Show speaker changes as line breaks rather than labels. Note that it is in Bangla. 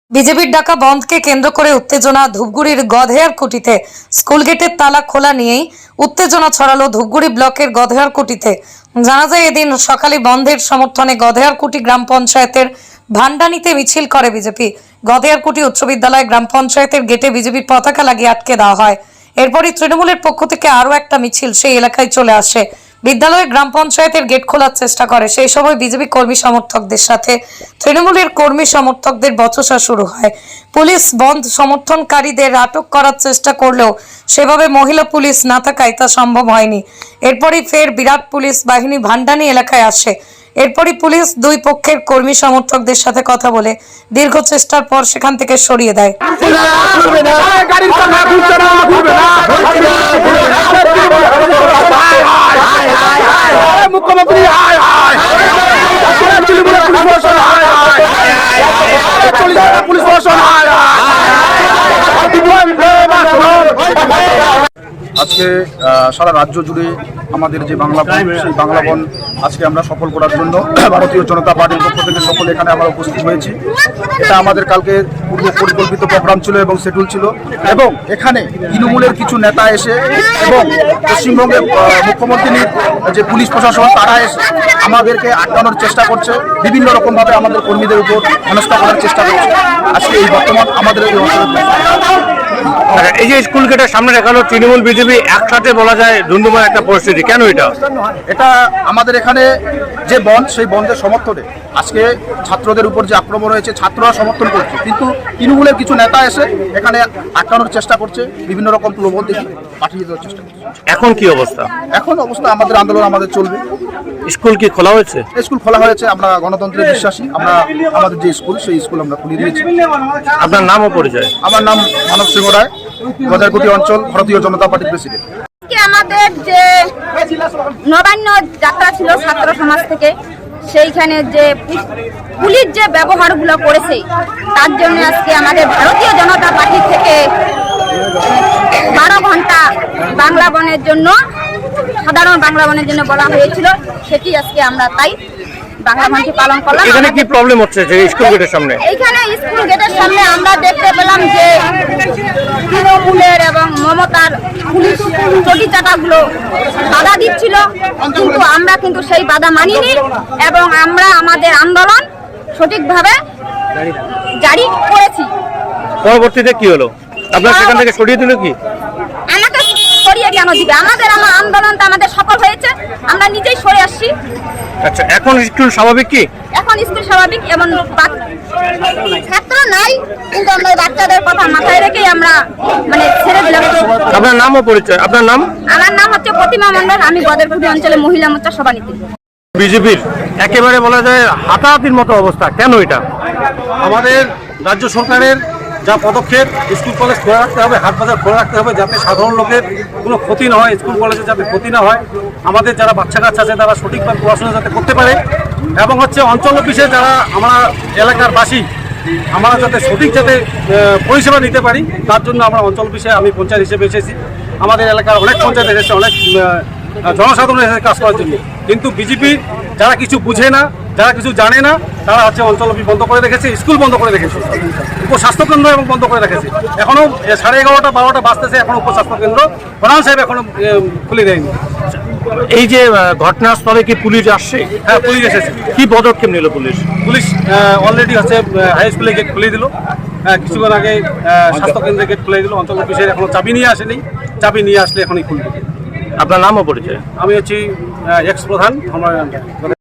বিজেপির ডাকা বন্ধকে কেন্দ্র করে উত্তেজনা। ধূপগুড়ির গধেয়ারকুটিতে স্কুল গেটের তালা খোলা নিয়েই উত্তেজনা ছড়ালো ধূপগুড়ি ব্লকের গধেয়ারকুটিতে। জানা যায়, এদিন সকালে বন্ধের সমর্থনে গধেয়ারকুটি গ্রাম পঞ্চায়েতের ভান্ডানিতে মিছিল করে বিজেপি। গধেয়ারকুটি উচ্চ বিদ্যালয় গ্রাম পঞ্চায়েতের গেটে বিজেপির পতাকা লাগিয়ে আটকে দেওয়া হয়। এরপরই তৃণমূলের পক্ষ থেকে আরও একটা মিছিল সেই এলাকায় চলে আসে। বিদ্যালয়ে গ্রাম পঞ্চায়েতের গেট খোলার চেষ্টা করে। সেই সময় বিজেপি কর্মী সমর্থকদের সাথে তৃণমূলের কর্মী সমর্থকদের বচসা শুরু হয়। পুলিশ বন্ধ সমর্থনকারীদের আটক করার চেষ্টা করলেও সেভাবে মহিলা পুলিশ না থাকায় তা সম্ভব হয়নি। এরপরই ফের বিরাট পুলিশ বাহিনী ভান্ডানি এলাকায় আসে। এরপরই পুলিশ দুই পক্ষের কর্মী সমর্থকদের সাথে কথা বলে দীর্ঘ চেষ্টার পর সেখান থেকে সরিয়ে দেয়।
মুখ্যমন্ত্রী পুলিশ আজকে সারা রাজ্য জুড়ে আমাদের যে বাংলা বন, সেই বাংলা বন আজকে আমরা সফল করার জন্য ভারতীয় জনতা পার্টির পক্ষ থেকে সকলে এখানে আমরা উপস্থিত হয়েছি। এটা আমাদের কালকে পূর্ব পরিকল্পিত প্রোগ্রাম ছিল এবং শিডিউল ছিল, এবং এখানে তৃণমূলের কিছু নেতা এসে এবং পশ্চিমবঙ্গের মুখ্যমন্ত্রীর যে পুলিশ প্রশাসন তারা এসে আমাদেরকে আটকানোর চেষ্টা করছে, বিভিন্ন রকমভাবে আমাদের কর্মীদের উপর হেনস্থা করার চেষ্টা করছে। আজকে এই বর্তমান আমাদের
এই যে স্কুল গেটের সামনে দেখালো তৃণমূল বিজেপি একসাথে বলা যায় ধুন্ধুমার একটা পরিস্থিতি, কেন এটা
আমাদের এখানে যে বন্ধ, সেই বন্ধের সমর্থনে আজকে ছাত্রদের উপর যে আক্রমণ হয়েছে ছাত্ররা সমর্থন করছে, কিন্তু তৃণমূলের কিছু নেতা এসে এখানে আটকানোর চেষ্টা করছে, বিভিন্ন রকম প্রলোভন দিয়ে পাঠিয়ে দেওয়ার চেষ্টা করছে।
এখন কি অবস্থা?
এখন অবস্থা আমাদের আন্দোলন আমাদের চলবে।
স্কুল কি খোলা হয়েছে?
স্কুল খোলা হয়েছে, আমরা গণতন্ত্রে বিশ্বাসী। আমরা আমাদের যে স্কুল, সেই স্কুল আমরা খুলে দিয়েছি।
আপনার নাম ও পরিচয়?
আমার নাম মানব সিংহ রায়, গধেয়ারকুটি অঞ্চল ভারতীয় জনতা পার্টির প্রেসিডেন্ট।
আমাদের যে নবান্ন যাত্রা ছিল ছাত্র সমাজ থেকে, সেইখানে যে পুলিশ যে ব্যবহারগুলো করেছে তার জন্য আজকে আমাদের ভারতীয় জনতা পার্টি থেকে 12 ঘন্টা বাংলা বনের জন্য, সাধারণ বাংলা বনের জন্য বলা হয়েছিল। সেটি আজকে আমরা তাই বাংলা বনটি পালন করলাম।
এখানে কি প্রবলেম হচ্ছে যে স্কুল গেটের সামনে?
এইখানে স্কুল গেটের সামনে আমরা দেখতে পেলাম যে তৃণমূলের এবং মমতার পুলিশ চটি চাটাগুলো বাধা দিচ্ছিল, কিন্তু আমরা কিন্তু সেই বাধা মানিনি এবং আমরা আমাদের আন্দোলন সঠিকভাবে জারি করেছি।
পরবর্তীতে কি হলো? আপনার সেখান থেকে সরিয়ে দিল কি?
আমাকে সরিয়ে কেন দিবে? আমাদের আন্দোলনটা আমাদের সফল হয়েছে, আমরা নিজেই সরে আসছি।
আচ্ছা, এখন স্কুল স্বাভাবিক কি?
এখন স্কুল স্বাভাবিক এবং ছাত্র নাই, কিন্তু আমরা বাচ্চাদের কথা মাথায় রেখেই আমরা ছেড়ে দিলাম।
আপনার নাম ও পরিচয়? আপনার নাম?
আমার নাম হচ্ছে প্রতিমা মণ্ডল, আমি গধেয়ারকুটি অঞ্চলে মহিলা মোর্চা সভানেত্রী।
বিজেপির একেবারে বলা যায় হাতাহাতির মতো অবস্থা, কেন এটা?
আমাদের রাজ্য সরকারের যা পদক্ষেপ, স্কুল কলেজ খোলা রাখতে হবে, হাট বাজার খোলা রাখতে হবে, যাতে সাধারণ লোকের কোনো ক্ষতি না হয়, স্কুল কলেজে যাতে ক্ষতি না হয়, আমাদের যারা বাচ্চা কাচ্চা আছে তারা সঠিকভাবে পড়াশোনা যাতে করতে পারে, এবং অঞ্চল অফিসে যারা আমরা এলাকার বাসী আমরা যাতে সঠিক যাতে পরিষেবা নিতে পারি, তার জন্য আমরা অঞ্চল অফিসে, আমি পঞ্চায়েত হিসেবে এসেছি। আমাদের এলাকার অনেক পঞ্চায়েত এসেছে, অনেক জনসাধারণ এসেছে কাজ করার জন্য, কিন্তু বিজেপি যারা কিছু বুঝে না, যারা কিছু জানে না, তারা অঞ্চল অফিস বন্ধ করে রেখেছে, স্কুল বন্ধ করে রেখেছে, উপস্বাস্থ্যকেন্দ্র এবং বন্ধ করে রেখেছে। এখনও 11:30 12টা বাজতেছে, এখনো উপস্বাস্থ্যকেন্দ্র প্রধান সাহেব এখনো খুলে দেয়নি।
এই যে ঘটনাস্থলে কি পুলিশ আসছে?
হ্যাঁ, পুলিশ এসেছে।
কি পদক্ষেপ নিল পুলিশ?
পুলিশ অলরেডি হাই স্কুলে গেট খুলে দিল, কিছুক্ষণ আগে স্বাস্থ্যকেন্দ্রে গেট খুলে দিল। অঞ্চল অফিসের এখনো চাবি নিয়ে আসেনি, চাবি নিয়ে আসলে এখনই খুলবে।
আপনার নাম ও পরিচয়?
আমি হচ্ছি এক্স প্রধান। আমরা